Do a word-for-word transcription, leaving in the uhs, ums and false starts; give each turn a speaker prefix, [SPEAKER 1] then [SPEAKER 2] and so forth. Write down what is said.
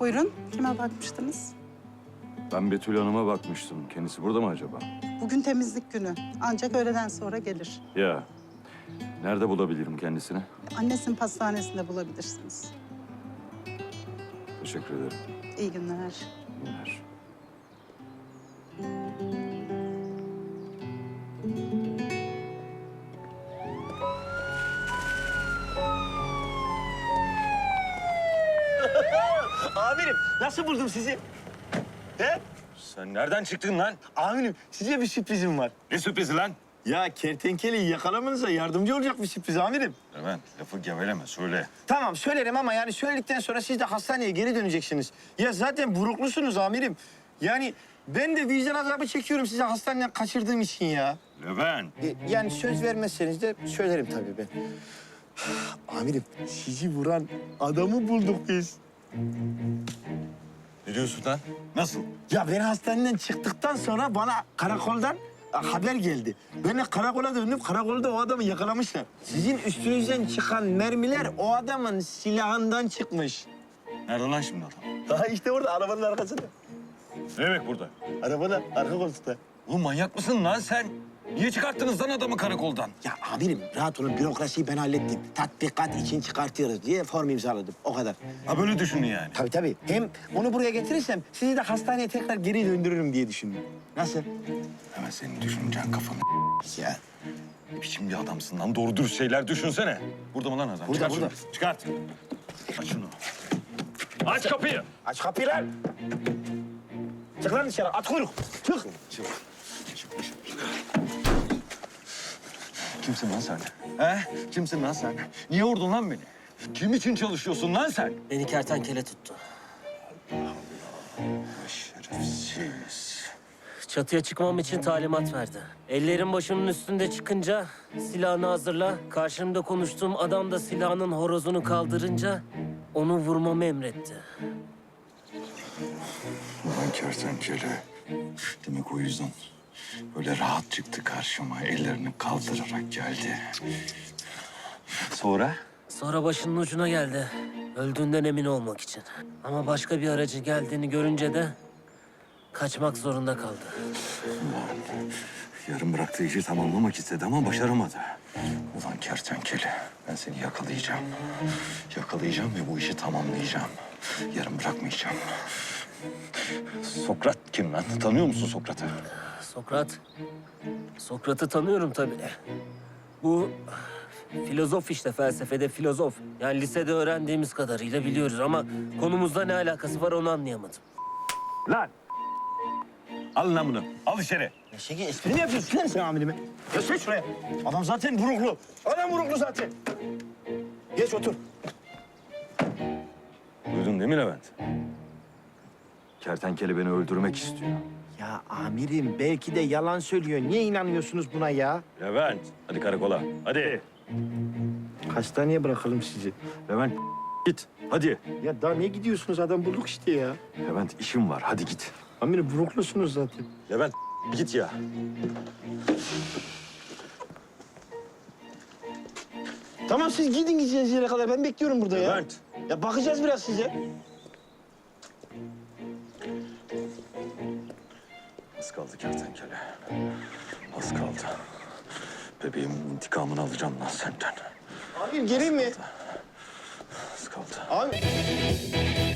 [SPEAKER 1] Buyurun, kime bakmıştınız?
[SPEAKER 2] Ben Betül Hanım'a bakmıştım. Kendisi burada mı acaba?
[SPEAKER 1] Bugün temizlik günü. Ancak öğleden sonra gelir.
[SPEAKER 2] Ya, nerede bulabilirim kendisini?
[SPEAKER 1] Annesinin pastanesinde bulabilirsiniz.
[SPEAKER 2] Teşekkür ederim.
[SPEAKER 1] İyi günler.
[SPEAKER 2] İyi günler.
[SPEAKER 3] Amirim nasıl buldum sizi? He?
[SPEAKER 2] Sen nereden çıktın lan?
[SPEAKER 3] Amirim size bir sürprizim var.
[SPEAKER 2] Ne sürprizi lan?
[SPEAKER 3] Ya kertenkeleyi yakalamanıza yardımcı olacak bir sürpriz amirim.
[SPEAKER 2] Levent, lafı geveleme, söyle.
[SPEAKER 3] Tamam söylerim ama yani söyledikten sonra siz de hastaneye geri döneceksiniz. Ya zaten buruklusunuz amirim. Yani ben de vicdan azabı çekiyorum size hastaneden kaçırdığım için ya.
[SPEAKER 2] Levent.
[SPEAKER 3] E, yani söz vermezseniz de söylerim tabii ben. Amirim sizi vuran adamı bulduk biz.
[SPEAKER 2] Ne diyorsun lan? Nasıl?
[SPEAKER 3] Ya ben hastaneden çıktıktan sonra bana karakoldan haber geldi. Ben de karakola döndüm. Karakolda o adamı yakalamışlar. Sizin üstünüzden çıkan mermiler o adamın silahından çıkmış.
[SPEAKER 2] Nerede lan şimdi adam?
[SPEAKER 3] Daha işte orada arabanın arkasında.
[SPEAKER 2] Ne demek burada?
[SPEAKER 3] Arabada, arka koltukta.
[SPEAKER 2] Oğlum manyak mısın lan sen? Niye çıkarttınız lan adamı karakoldan?
[SPEAKER 3] Ya amirim rahat olun bürokrasiyi ben hallettim. Tatbikat için çıkartıyoruz diye form imzaladım. O kadar.
[SPEAKER 2] Ha böyle düşünün yani.
[SPEAKER 3] Tabii tabii. Hem onu buraya getirirsem sizi de hastaneye tekrar geri döndürürüm diye düşündüm. Nasıl?
[SPEAKER 2] Hemen senin düşüneceksin kafanı.
[SPEAKER 3] Ya
[SPEAKER 2] Ne biçim bir adamsın lan? Doğru dürüst şeyler düşünsene. Burada mı lan adam?
[SPEAKER 3] Burada,
[SPEAKER 2] Çıkart
[SPEAKER 3] burada.
[SPEAKER 2] şunu. Çıkart. Aç şunu. Aç kapıyı.
[SPEAKER 3] aç kapıyı lan. Çık lan dışarı. At kuyruk. Çık.
[SPEAKER 2] Çık. Çık dışarı. Kimsin lan sen? He? Kimsin lan sen? Niye vurdun lan beni? Kim için çalışıyorsun lan sen?
[SPEAKER 4] Beni kertenkele tuttu.
[SPEAKER 2] Şerefsiz.
[SPEAKER 4] Çatıya çıkmam için talimat verdi. Ellerim başımın üstünde çıkınca silahını hazırla. Karşımda konuştuğum adam da silahının horozunu kaldırınca onu vurmamı emretti.
[SPEAKER 2] Ulan kertenkele. Demek o yüzden böyle rahat çıktı karşıma. Ellerini kaldırarak geldi. Sonra?
[SPEAKER 4] Sonra başının ucuna geldi. Öldüğünden emin olmak için. Ama başka bir aracı geldiğini görünce de kaçmak zorunda kaldı.
[SPEAKER 2] Ulan yarım bıraktığı işi tamamlamak istedi ama başaramadı. Ulan kertenkele, ben seni yakalayacağım. Yakalayacağım ve bu işi tamamlayacağım. Yarım bırakmayacağım. Sokrat kim lan? Tanıyor musun Sokrat'ı?
[SPEAKER 4] Sokrat. Sokrat'ı tanıyorum tabii. Bu filozof işte, felsefede filozof. Yani lisede öğrendiğimiz kadarıyla biliyoruz ama konumuzda ne alakası var onu anlayamadım.
[SPEAKER 2] Lan! Alın lan bunu. Al içeri.
[SPEAKER 3] Ya Şeki espri mi yapıyorsun lan sen amirime? Geç şuraya. Adam zaten buruklu. Adam buruklu zaten. Geç otur.
[SPEAKER 2] Duydun değil mi Levent? Kertenkele beni öldürmek istiyor.
[SPEAKER 3] Ya amirim belki de yalan söylüyor. Niye inanmıyorsunuz buna ya?
[SPEAKER 2] Levent, hadi karakola. Hadi.
[SPEAKER 3] Hastaneye bırakalım sizi.
[SPEAKER 2] Levent, git. Hadi.
[SPEAKER 3] Ya daha niye gidiyorsunuz? Adam bulduk işte ya.
[SPEAKER 2] Levent, işim var. Hadi git.
[SPEAKER 3] Amirim buruklusunuz zaten.
[SPEAKER 2] Levent, git ya.
[SPEAKER 3] Tamam siz gidin gideceğiniz yere kadar. Ben bekliyorum burada ya.
[SPEAKER 2] Levent.
[SPEAKER 3] Ya bakacağız biraz size.
[SPEAKER 2] Az kaldı kertenkele. Az kaldı. Bebeğimin intikamını alacağım lan senden.
[SPEAKER 3] Amirim geleyim mi?
[SPEAKER 2] Az kaldı.
[SPEAKER 3] Abi.